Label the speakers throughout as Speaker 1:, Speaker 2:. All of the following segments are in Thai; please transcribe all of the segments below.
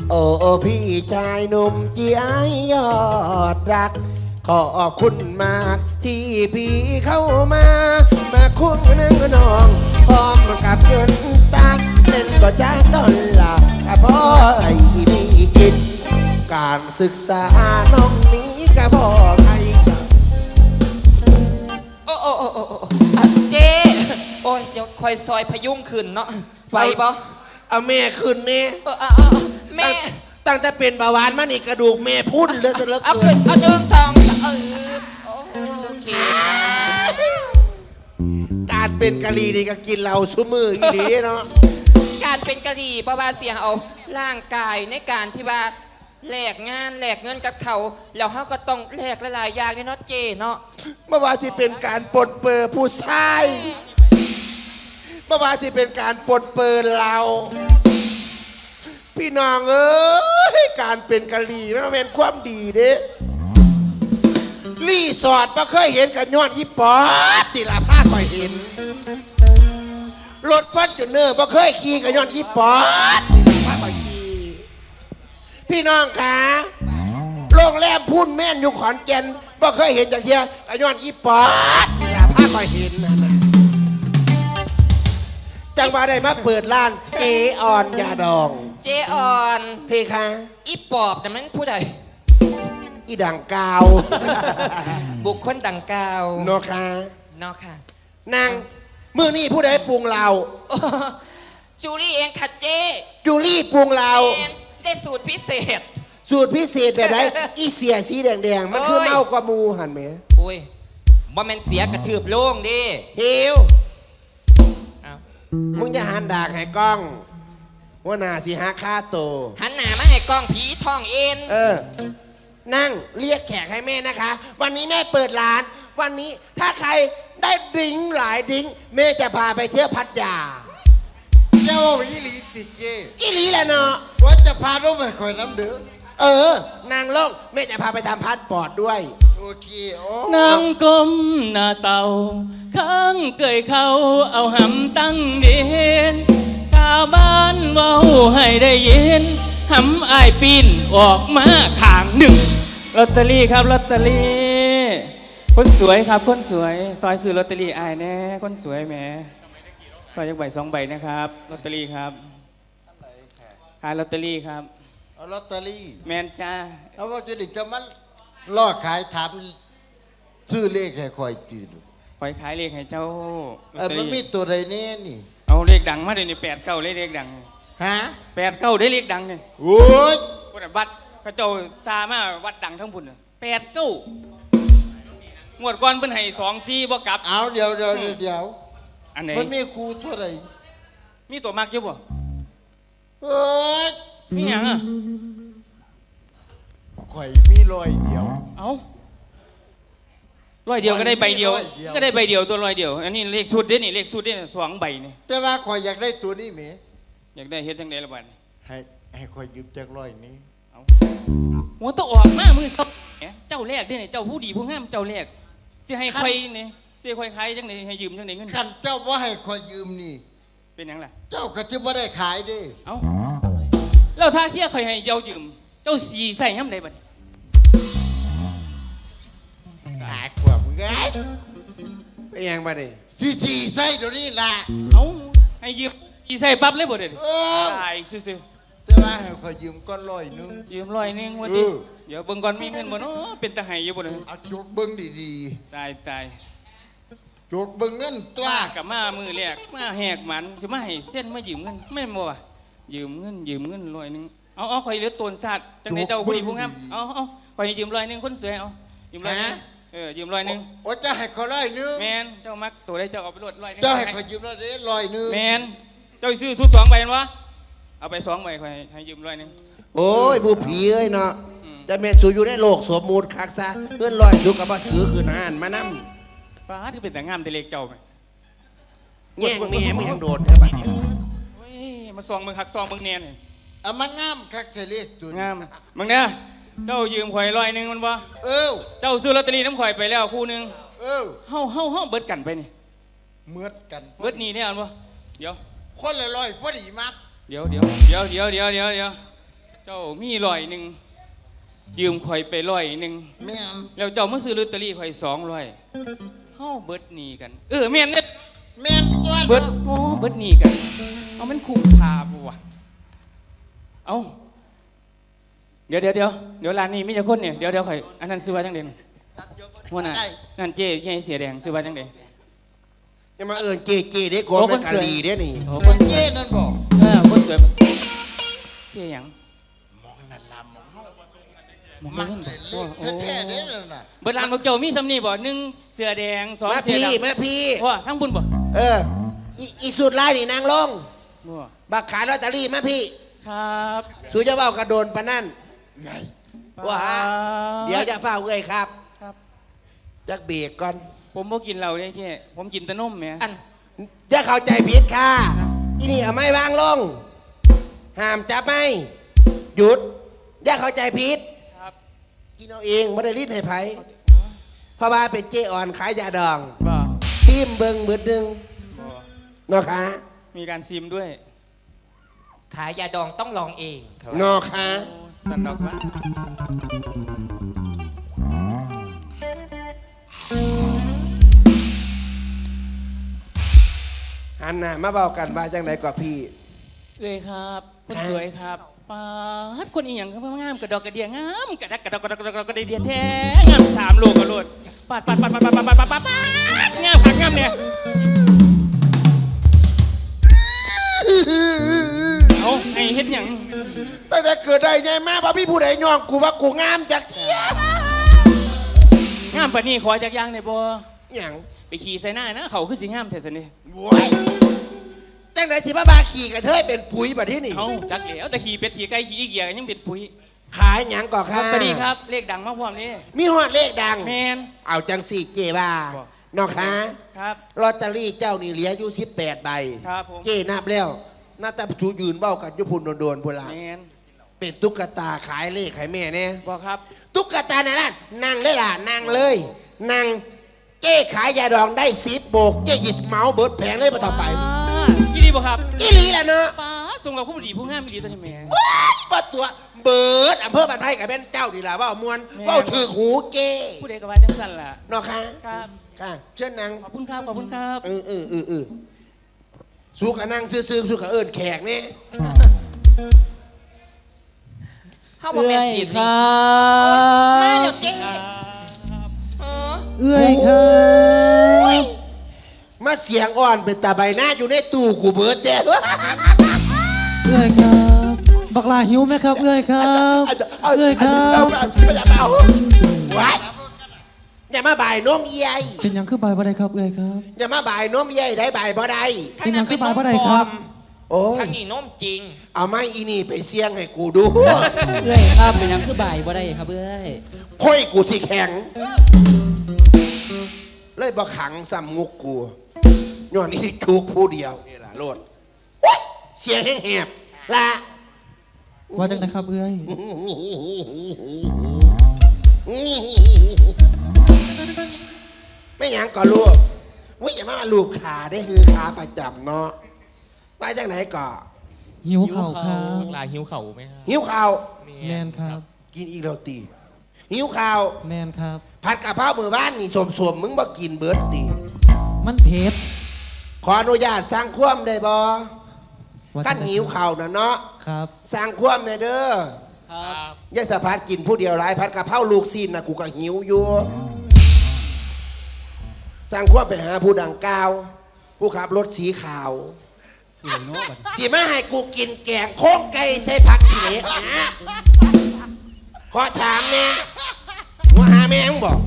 Speaker 1: โอ้พี่ชายหนุ่มเจียยอดรักขอบคุณมากที่พี่เข้ามาคุ้มนึงน้องพร้อมกับเงินตาเล่นก็จ้างดอลลาร์ก็พอไอ้พี่กินการศึกษาน้องนี้ก็พอใคร
Speaker 2: เจ๊โอ้ยเดี๋ยวคอยซอยพยุงขึ้นเนาะไปบ่
Speaker 1: เอาแม่ขึ้นนี่
Speaker 2: แม่
Speaker 1: ตั้งแต่เป็นเบาหวานมานี่กระดูกแม่พุ่นเลยจะเลิก
Speaker 2: เอาขึ้นเอา1 2โอเค
Speaker 1: การเป็นกะหรี่นี่ก็กินเราซุมืออีหลีเนาะ
Speaker 2: การเป็นกะหรี่เพราะว่าเสียเอาร่างกายในการที่ว่าแลกงานแลกเงินกับเขาแล้วเขาก็ต้องแลกหลายๆอย่างเนาะเจเนาะ
Speaker 1: เมื่อวานที่เป็นการปนเปื้อผู้ชายเมื่อวานที่เป็นการปนเปื้อเราพี่น้องเอ้ยการเป็นกะหรี่มันเป็นความดีเด้รีสอร์ทมาเคยเห็นกันย้อนอีปอดติลาผ้าคอยเห็นรถฟอร์จูเนอร์มาเคยขี่กันย้อนอีปอดติลาผ้าคอยขี่พี่น้องคะโรงแรมพุ่นแม่นอยู่ขอนแก่นมาเคยเห็นอย่างเทียกันย้อนอีปอดติลาผ้าคอยเห็นนั่นนะจังหวะได้มาเปิดร้านเจออนยาดอง
Speaker 2: เจออน
Speaker 1: เพคะ
Speaker 2: อีปอบแต่มันผู้ใด
Speaker 1: อีดังกาว
Speaker 2: บุคคลดังกาว
Speaker 1: โนคา
Speaker 2: เนาะค่ะ
Speaker 1: นางมือนี่ผู้ใดปรุงเรา
Speaker 2: จูลี่เองค่ะเจ
Speaker 1: จูลี่ปรุงเรา
Speaker 2: ได้สูตรพิเศษ
Speaker 1: แบบไหนอีเสียสีแดงมันคือเมากว่ามูหันไหม
Speaker 2: โอ้ยบ่แม่นเสียกระทืบโล่งดิ
Speaker 1: เฮียวมึงจะหันดากให้กล้องว่านาสิหาค่าโต
Speaker 2: หันหน้ามาให้กล้องผีท่องเอ็น
Speaker 1: นั่งเรียกแขกให้แม่นะคะวันนี้แม่เปิดร้านวันนี้ถ้าใครได้ดิ้งหลายดิ้งแม่จะพาไปเที่ยวพัทยา
Speaker 3: เจ้าอีหลีติเก
Speaker 1: อีหลีแหละเนาะ
Speaker 3: ว่าจะพาลูกไปคอยน้ำเดือ
Speaker 1: นางโลกแม่จะพาไปทำพาสปอร์ตด้วย
Speaker 3: โอเค
Speaker 4: นางกลมหน้าเศร้าข้างเกยเขาเอาหำตั้งเด่นชาวบ้านเว้าให้ได้ยินหำอายปีนออกมาข้างหนึ่งลอตเตอรี่ครับลอตเตอรี่คนสวยครับคนสวยซอยซื้อลอตเตอรี่อายแน่คนสวยแหมซอยยักใบ2 ใบนะครับลอตเตอรี่ครับขายลอตเตอรี่ครับ
Speaker 3: เอาลอตเตอรี่
Speaker 4: แมนจ้า
Speaker 3: เอาว่าจะดิจะมันล่อขายถามซื้อเลขให้คอยตีดู
Speaker 4: คอยขายเลขให้เจ้า
Speaker 3: มันมีตัวใดแน่นี่
Speaker 4: เอาเลขดังมาเดี๋ยวนี้8 9เลขดัง
Speaker 3: ฮะ
Speaker 4: 8 9ได้เลขดังเนี่ย
Speaker 3: โอ้ย
Speaker 4: วัดกระโจซามาวัดดังทั้งพุ่น8 9งวดก่อนเป็นให้2 4บ่กลับ
Speaker 3: เอาเดี๋ยว
Speaker 4: อันไหน
Speaker 3: มันมีครูเท่าไหร่
Speaker 4: มีตัวมากเยอะบ่
Speaker 3: เอ้ย
Speaker 4: มีหยังอ่ะ
Speaker 3: ข่อยมี100 เดียว
Speaker 4: เอา100 เดียวก็ได้ใบเดียวก็ได้ใบเดียวตัว100 เดียวอันนี้เลขชุดเด้นี่เลขชุดเด้2 ใบนี่
Speaker 3: แต่ว่าข่อยอยากได้ตัวนี้แหม
Speaker 4: อยากได้เฮ็ดจังได๋ล่ะบัด
Speaker 3: ให้ข่อยยืมจัก100นี้
Speaker 4: เอาหัวต้องออกมามือเจ้าแรกเด้นี่เจ้าผู้ดีผู้งามเจ้าแรกสิให้ใครนี่สิค่อยขายจังได๋ให้ยืมจังได๋เงิน
Speaker 3: คันเจ้าบ่ให้ข่อยยืมนี่
Speaker 4: เป็นหยังล่ะ
Speaker 3: เจ้าก็สิบ่ได้ขายเด้
Speaker 4: เอ้าแล้วถ้าเที่ยข่อยให้เจ้ายืมเจ้าสิใส่ยามใดบัด
Speaker 3: หาความไง
Speaker 1: เป็นยังบัดนี้
Speaker 3: สิใส่เดี๋ยวนี้ล่ะ
Speaker 4: เอ้าให้ยืมสิใส่ปั๊บเลยบ่เด้ตายซื่อ
Speaker 3: ๆแต่ว่าให้ข่อยยืมก่อน100นึง
Speaker 4: ยืม100นึงว่าติเดี๋ยวเบิ่งก่อนมีเงินบ่เนาะเป็นตาให้อยู่บ่เด้
Speaker 3: เอาจกเบิ่งดี
Speaker 4: ๆตาย
Speaker 3: จกเบิ่งเงินตัว
Speaker 4: กับมามือแรกมาแหกมันสิมาให้เส้นมายืมเงินแม่นบ่วะยืมเงิน100นึงเอาข่อยเหลือตนสัตว์จังได๋เจ้าผู้ดีผู้งามเอาข่อยยืม100นึงคนสวยเอายืม100นึงยืม100นึง
Speaker 3: โอ้จะให้เขา100นึง
Speaker 4: แม่นเจ้ามักตัวได้เจ้าเอาไปรวด100นึง
Speaker 3: เจ้าให้เขายืม100นึง
Speaker 4: แม่นเจ้าซื้อชุด2 ใบวะเอาไป2 ใบข่อยให้ยืม100นึง
Speaker 1: โอ้ยผู้ผีเอ้ยเนาะจะแม่สูอยู่ในโลกสมมุติคักซะเงิน100สุกก็บ่ถือคืนหานมานำ
Speaker 4: ป้าที่เป็นแต่งามแต่เล็กเจ้าไหม
Speaker 1: แง่งแม่มึงยังโดนแท้บัดนี้
Speaker 4: มาซองมึงหักซองมึงเนียน
Speaker 3: มันงามคักเทเลจุด
Speaker 4: งามมึงเนี่ยเจ้ายืมข่อย100นึงมันบ่เจ้าซื้อลอตเตอรี่น้ำข่อยไปแล้วคู่นึงเฮาเบิดกันไปนี่
Speaker 3: เบิดกัน
Speaker 4: เบิดนี่เนี่ยอันบ่เดี๋ยว
Speaker 3: คนละ100พอดีมาก
Speaker 4: เดี๋ยวเจ้จ้ามี100ยืมข่อยไป100
Speaker 3: แม่น
Speaker 4: แล้วเจ้ามาซื้อลอตเตอรี่ข่อย200เฮาเบิดหนี้กันแม่นเด้
Speaker 3: แม่นตัว
Speaker 4: เบิดโอ้เบิดหนี้กันเอามันคุ้มค่าบ่วะเอาเดี๋ยวร้านนี้มีแต่คนเนี่ยเดี๋ยวข่อยอันนั้นซื้อว่าจังได๋หัวหน้านั่นเจ๊ใหญ่เสียแดงซื้อว่าจังได๋
Speaker 1: จะมาเอิญเกเกเด้กลัวเป็นกะลีเด้นี่
Speaker 4: โอ้
Speaker 3: ค
Speaker 4: คน
Speaker 3: นเจ้นั่นบอก
Speaker 4: คนสวยเสียหยัง
Speaker 3: มองนั่นลำมองเฮา
Speaker 4: หมอง
Speaker 3: มั
Speaker 4: เงิน
Speaker 3: เป็น
Speaker 4: บ่
Speaker 3: เล็กแท้ๆเด้นั่นน่ะ
Speaker 4: เบิดร้านบอกเจ้ามีสำนีบ่1เสื้อแดง2
Speaker 1: มา
Speaker 4: เสื้อ
Speaker 1: พี่
Speaker 4: ดำ
Speaker 1: แม่พี่
Speaker 4: ว่าทั้งบุญบ่
Speaker 1: อีสุดไล่นี่นางลง
Speaker 4: บ่
Speaker 1: บักขายลอตเตอรี่แม่พี่
Speaker 4: ครับ
Speaker 1: สูจะเบ้ากระโดนปะนั่น
Speaker 3: ใหญ่
Speaker 1: ว่าฮะเดี๋ยวจะเฝ้าเอ้ยครับ
Speaker 4: ครับ
Speaker 1: จักเบรกก่อน
Speaker 4: ผมบ่กินเหล้าเด้เช่ผมกินแต่นมแหม
Speaker 2: อัน
Speaker 1: จะเข้าใจผิดค่ะอีนี่เอาไม้วางลงห้ามจับไม่หยุดอย่าเข้าใจผิด
Speaker 4: ครับ
Speaker 1: กินเอาเองไม่ได้รีดให้ไผเพราะว่าเป็นเจอ่อนขายยาดอง
Speaker 4: บ่
Speaker 1: ซิมเบิงเบิดหนึง
Speaker 4: บ่
Speaker 1: เนาะคะ
Speaker 4: มีการซิมด้วย
Speaker 2: ขายยาดองต้องลองเองเขาว่า
Speaker 1: เนาะคะ
Speaker 4: โอ้สันดอกว่า
Speaker 1: หันหน้ามาเบากันว่าจังไดกว่าพี่
Speaker 4: เอ้ยครับคนสวยครับปาดคนอีหยังก็งามกระดอกกระเดียงามกระดักกระดอกกระดอกกระดอกกระเดียแท้งาม3โลกระโลดปาดงามผักงามเนี่ยเอาไอ้เฮ็ดหยัง
Speaker 1: ตั้งแต่เกิดได้ไงแม่พ่อพี่ผู้ใดย่องกูว่ากูงามจากเที่ย
Speaker 4: งามปานนี้ขอจักอย่างได้บ่
Speaker 1: หยัง
Speaker 4: ไปขี่ใส่หน้านะเขาคือสิงามแท้ซั่นนี่
Speaker 1: โว้ยจังไดสิบ้าบาขี่กระเทยเป็นปุ๋ยแบบที่นี่
Speaker 4: เอาจักแล้วแต่ขี่เป็ดขี่ไก่ขี่อีเกียก็ยังเป็นปุ๋ย
Speaker 1: ขายหยังก่อ
Speaker 4: ล
Speaker 1: ค่ะ
Speaker 4: อตเตอรี่ครับเลขดังมากพร้อมนี่
Speaker 1: มีฮอดเลขดัง
Speaker 4: แมน
Speaker 1: เอาจังสี่เจบ้า
Speaker 4: บอก
Speaker 1: เนาะคะ
Speaker 4: ครับ
Speaker 1: ลอตเตอรี่เจ้านี่เหลืออยู่18ใบ
Speaker 4: ครับผม
Speaker 1: เจนับแล้วนับแต่ชูยืนเบ้ากันอยุพุนโดนๆพุ่นละ
Speaker 4: แมน
Speaker 1: เป็นตุ๊กตาขายเลขขายแม่เนี่ย
Speaker 4: บอกครับ
Speaker 1: ตุ๊กตานั่นนะนั่งเลยล่ะนั่งเลยนั่งเจ้ขายยาดองได้10 โบกเจ้หยิบเมาส์เบิดแผงเลยมาต่อไป
Speaker 4: ยี่ดีบอกครับ
Speaker 1: อีหลีแหละเนาะ
Speaker 4: ป้าจงเราผู้ดีผู้งามอีหลีตัวนี้แม่
Speaker 1: ว้ายว่าตัวเบิดอำเภอบ้านไผ่กับเป็นเจ้าดีล่ะว่ามวน
Speaker 4: แม่
Speaker 1: ว่าถือหูเจ้
Speaker 4: ผู้ใดก็ว่าจังสั่นล่ะ
Speaker 1: เนาะคะ
Speaker 4: ครับ
Speaker 1: ค่ะเชิญนั่ง
Speaker 4: ขอบคุณครับขอบคุณครับ
Speaker 1: สู้กับนั่งซื่อๆสู้กับเอิญแขกเนี่ย
Speaker 2: เฮาบ่แม่นสิ
Speaker 5: ครั
Speaker 2: มา
Speaker 5: บ
Speaker 2: เดี๋ยวเจ๊เออ
Speaker 5: เอื้อยครับ
Speaker 1: มาเสียงอ่อนเป็นตาใบหน้าอยู่ในตู้กูเบิดแจ้
Speaker 5: เอื้อยครับ บักลาหิวไหมครับ เอื้อยครับเอื้อยครับ
Speaker 1: เอาไว้อย่ามาบ่ายนมเอียย
Speaker 5: เป็นหยังคือใบบ่ได้ครับ เอื้อยครับ
Speaker 1: อย่ามาบ่ายนมเอียยได้บ่ายบ่ได้
Speaker 5: เป็นหยังคือใบบ่ได้ครับ
Speaker 1: โอ้ย
Speaker 2: ทางนี้นมจริง
Speaker 1: เอาไม้อีนี่ไปเสี่ยงให้กูดู
Speaker 5: เอื้อยครับเป็นหยังคือใบบ่ได้ครับเอื้อย
Speaker 1: ค่อยกูสิแข็ง เลยบ่ขังซ้ำงุกกูย้อนนี่จุกผู้เดียวนี่ล่ะโลดโอ๊ยเสียงแหบๆละ
Speaker 5: ว่าจังนะครับ เอื้อย
Speaker 1: ไม่หยังก็ลูกวิอย่ามาลูกขาได้คือขาประจำเนาะไปจากไหนก่อ
Speaker 5: หิวเข่าวครับ
Speaker 6: ลาหิวเข่าไหมครับ
Speaker 1: หิวข้าว
Speaker 5: แมนครับ
Speaker 1: กินอีกแล้วตีหิวข้าว
Speaker 5: แมนครับ
Speaker 1: ผัดกะเพรามือบ้านนี่สมๆมึงบ่กินเบิร์ดตี
Speaker 5: มันเผ็ด
Speaker 1: ขออนุญาตสร้างความได้บ่
Speaker 5: ว่า
Speaker 1: ขั้นหิวข้าวนะเนาะ
Speaker 5: ครับ
Speaker 1: สร้างความได้เด้อ
Speaker 6: ครับ
Speaker 1: ยายสะพัดกินผู้เดียวหลายผัดกะเพราลูกซีนนะกูก็หิวอยู่สร้างความไปหาผู้ดังกล่าว ผู้ขับรถสีขาวสิมาให้กูกินแกงโค้งไก่ใส่ผักขี้เหล็กนะขอถามเนี่ยว่าหาแม่งบอก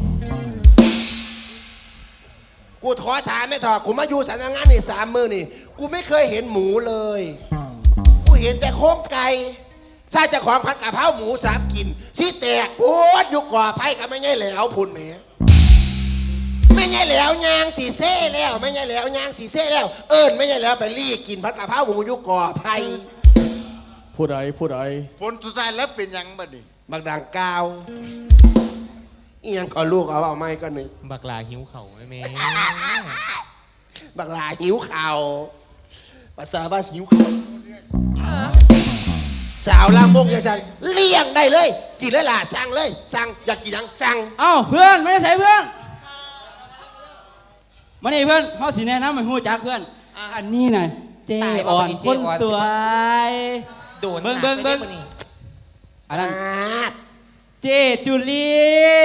Speaker 1: กูขอถามไม่ถอดกูมาอยู่สำนักงานนี่3 มื้อนี่กูไม่เคยเห็นหมูเลยกูเห็นแต่โค้งไก่ถ้าเจะของผัดกะเพราหมู3 กินชี้แตกปวดอยู่ก่อไผ่กับไม่ใช่แหล้วพุ่นแหมไม่ใช่แหล้วยางสีเซ่แล้วไม่ใช่แหล้วยางสีเซ่แล้ว เอิญไม่ใช่แหล้วไปรีกินผัดกะเพราหมูอยู่ก่อไผ่
Speaker 6: ผู้ใด
Speaker 3: ผลสุดท้ายแล้วเป็นหยังบัดนี้
Speaker 1: บักดังกาวอีหยังก็ลูกเอาไม้ก็หนึ่ง
Speaker 6: บักลาหิวเข่าไหมแม่
Speaker 1: บักลาหิวข่าวภาษาว่าหิวข่าว
Speaker 2: ส
Speaker 1: สาวลามกอย่างจังเลี้ยงได้เลยกินเลยล่ะสั่งเลยสั่งอยากกินหยังสั่ง
Speaker 5: เอ้าเพื่อนไม่ได้ใส่เพื่อนมานี่เพื่อนเขาสีแนะนำให้หูจักเพื่อนอันนี้น่ะเจอ่อนคนสวย
Speaker 2: โดน
Speaker 5: เบิ่งอันนั้นเจจุลี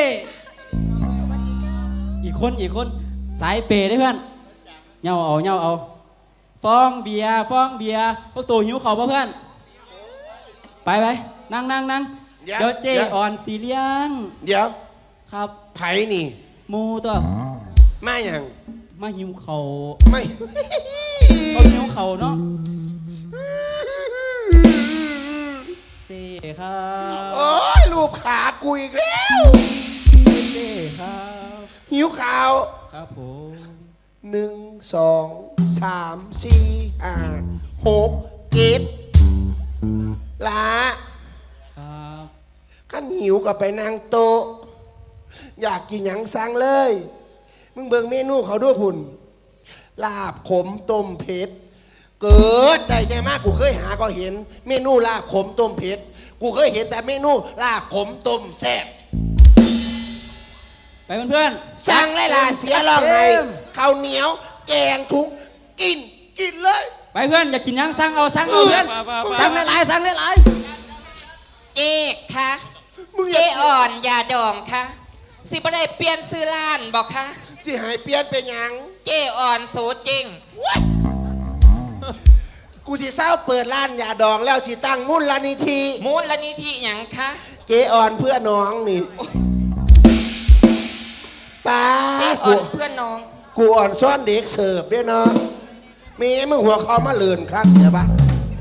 Speaker 5: อีกคนสายเปย์ได้เพื่อนเงาเอาฟองเบียร์พวกตัวหิวเขาป่ะเพื่อนไปนั่งเดี๋ยวเจอ่อนสีเลี้ยง
Speaker 1: เดี๋ยว
Speaker 5: ครับ
Speaker 1: ไผ่นี่
Speaker 5: หมูตัว
Speaker 1: มาอย่าง
Speaker 5: มาหิวเขา
Speaker 1: ไม่
Speaker 5: เขาหิวเขาเนาะเจครับ
Speaker 1: โอ้ยรูปขากูอีกแล้ว
Speaker 5: เจครับ
Speaker 1: หิวข่าว
Speaker 5: ครับผม
Speaker 1: 1 2 3 4 5 6 7ละ
Speaker 5: ครับ
Speaker 1: ขั้นหิวก็ไปนั่งโต๊ะอยากกินหยังสั่งเลยมึงเบิ่งเมนูเขาด้วยพุ่นลาบขมต้มเผ็ดเกิดได้ใจมากกูเคยหาก็เห็น เมนูลาบขมต้มเผ็ดกูเคยเห็นแต่เมนูลาบขมต้มแซ่บ
Speaker 5: ไปเพื่อน
Speaker 1: สั่งเลยล่ะเสียร้องไห้ข้าวเหนียวแกงทุกกินเลย
Speaker 5: ไปเพื่อนอยากกินยังสั่งเอาเพื่อนสั่งหลาย
Speaker 2: เจ๊คะ
Speaker 1: มึงอ
Speaker 2: เจ๊
Speaker 1: ยาก
Speaker 2: อ่อนยาดองคะสิบ่ได้เปลี่ยนซื้อร้านบอกคะ
Speaker 1: สิหายเปลี่ยนเป็นหยัง
Speaker 2: เจ๊อ่อนสูตรจริง
Speaker 1: กูสิเศร้าเปิดร้านยาดองแล้วสิตั้งมูลนิธิ
Speaker 2: มูลนิธิหยังคะ
Speaker 1: เจอ่อนเพื่อน้องนี่ป้า
Speaker 2: เจ๊อ่อนเพื่อนน้อง
Speaker 1: กูอ่อนซ่อนเด็กเสิร์ฟด้วยเนาะมีมึงหัวคอมาเลือนครับเดี๋ยวปะ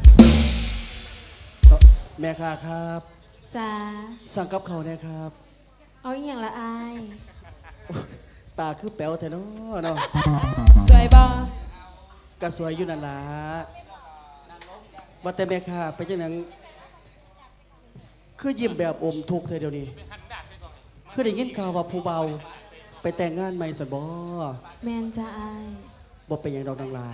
Speaker 5: แม่ค้าครับ
Speaker 7: จ้า
Speaker 5: สั่งกับเขาเนี่ยครับ
Speaker 7: เอาอหย่างละอาย
Speaker 5: ตาคือแป๋วแต่เนาะ
Speaker 7: สวยบอ
Speaker 5: ก็สวยอยู่นั่นล่ะว่าแต่แม่ค้าไปจังหนังคือยิ้มแบบอมทุกข์เธอเดี๋ยวนี้คือได้ยินข่าวว่าผู้เบาไปแต่งงานใหม่สันบ่
Speaker 7: แมนจ้าอาย
Speaker 5: บ่เป็นอย่างดอกดังหลา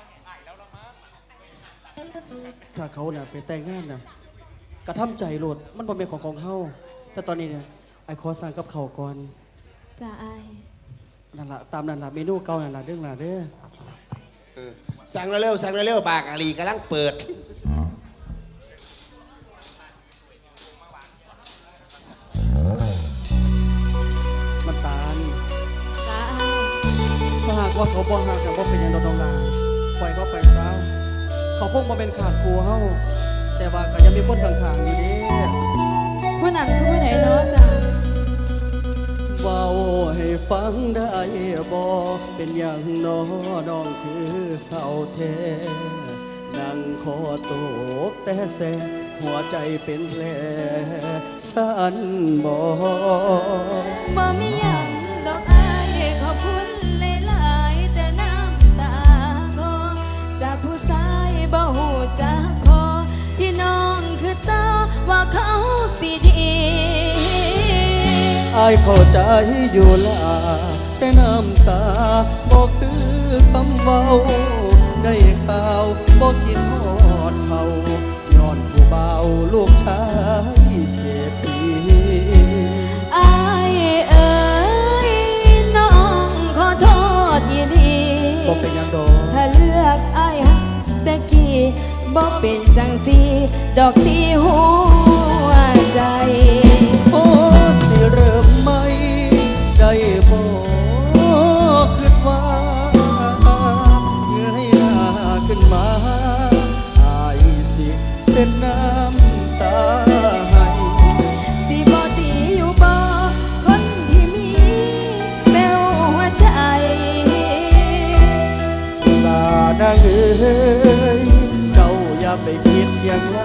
Speaker 5: ถ้าเขาน่ะไปแต่งงานน่ะกระทำใจโลดมันบ่เป็นของเฮาแต่ตอนนี้เนี่ยไอ้ขอสั่งกับเขาวก่อน
Speaker 7: จ้าอาย
Speaker 5: นั่นล่ะตามนั่นล่ะเมนูเก่านั่นล่ะเรื่องล่ะเด้อ
Speaker 1: สั่งเร็วๆสั่งเร็วๆบากอาลีกำลังเปิด
Speaker 5: มันตาล
Speaker 7: จ้าอาย
Speaker 5: ถ้าหากว่าเขาบ่ฮักกันบ่เป็นอย่างดอกดังหลาปล่อยเขาไปซะเขาคงบ่เป็นขาดครูเฮาแต่ว่าก็ยังมีคนข้างๆอยู่เด้
Speaker 7: ผู้นั้นคือผู้ไหนเนาะจ้า
Speaker 5: เว้าให้ฟังได้บ่เป็นอย่างน้อน้องคือเศร้าแท้นั่งคอตกแต่แสหัวใจเป็นแผลสั่นบ่
Speaker 7: บ่มีหยังดอกอายขอบคุณหลายๆแต่น้ำตาก็จากผู้ชายบ่หูจักพอที่น้องคือตาว่าเขาสิดี
Speaker 5: อายเข้าใจอยู่ล่ะแต่น้ำตาบ่คือคำเว้าได้ข่าวบ่กินฮอดเขาย้อนผู้เบาลูกชายเศรษฐี
Speaker 7: อายเอ๋ยน้องขอโทษยีดี
Speaker 5: บ่เป็นหยังดอก
Speaker 7: ถ้าเลือกอายหักแต่กี้บ่เป็นจังสีดอกที่หัวใจ
Speaker 5: โอ้สิเริ่มใหม่ได้บ่คิดว่าเงยหน้าขึ้นมาอายสิเส้นน้ำตาให้
Speaker 7: สิบ่ดีอยู่บ่คนที่มีแมวหัวใจ
Speaker 5: ลานางเอ้ยเจ้าอย่าไปคิดอย่างไร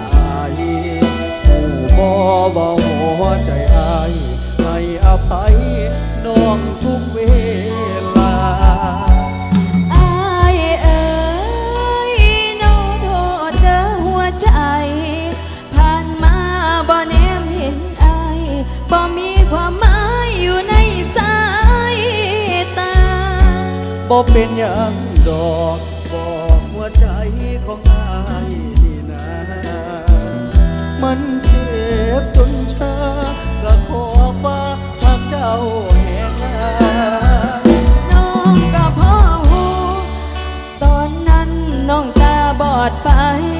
Speaker 5: ผู้บ่หัวใจอายให้อภัยน้องทุกเวลา
Speaker 7: อายเอ๋ยน้องโทษเด้อหัวใจ ผ่านมาบ่แนมเห็นอายบ่มีความหมายอยู่ในสายตา
Speaker 5: บ่เป็นอย่างดอกบอกหัวใจของอายนี่นะมันเจ็บจนชาก็ขอว่าหากเจ้าแห่งงาน
Speaker 7: น้องก็พ่อหูตอนนั้นน้องตาบอดไป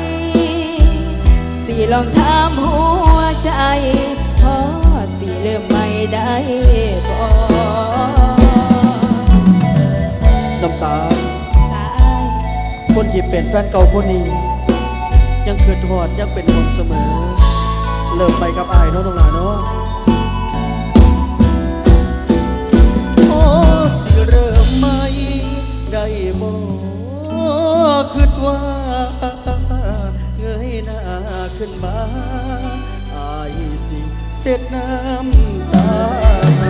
Speaker 7: สิลองถามหัวใจพอสิเริ่มไม่ได้บ่
Speaker 5: น้ำตา
Speaker 7: สาย
Speaker 5: คนที่เป็นแฟนเก่าคนนี้ ยังเกิดหอดยังเป็นห่วงเสมอ เริ่มไปกับอายเนาะน้องหลาเนาะโอ้สิเริ่มใหม่ได้บ่คิดว่าเงยหน้าขึ้นมาอายสิเสร็จน้ำตาให้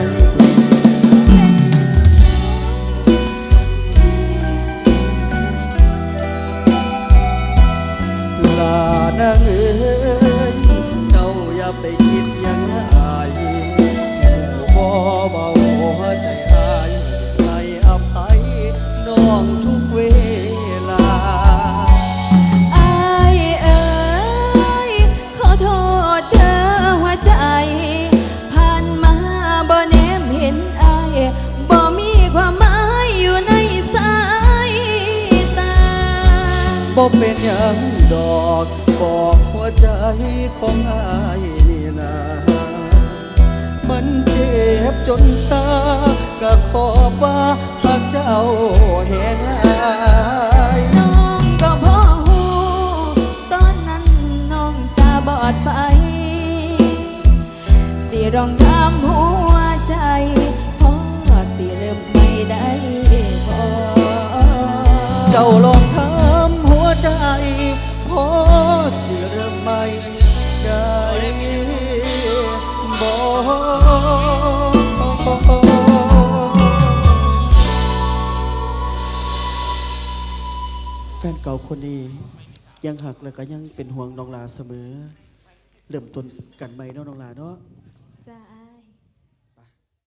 Speaker 5: ลานางเอ๋ยเจ้าอย่าไปคิดอย่างอายบ่เบาหัวใจอายให้อภัยน้องทุกเวลา
Speaker 7: อายเอ๋ยขอโทษเด้อหัวใจผ่านมาบ่แนมเห็นอายบ่มีความหมายอยู่ในสายตา
Speaker 5: บ่เป็นหยังดอกบอกหัวใจของอายนี่นามันเจ็บจนชาก็ขอว่าหากเจ้าแห่งอาย
Speaker 7: น้องก็พอหูตอนนั้นน้องตาบอดไปสิร้องถามหัวใจพอสิเริ่มไม่ได้พอ
Speaker 5: เจ้าลองถามหัวใจพอสิเริ่มใหม่ได้บ่แฟนเก่าคนนี้ยังหักและก็ยังเป็นห่วงน้องลาเสมอ เริ่มต้นกันใหม่เนาะน้องลาเนาะ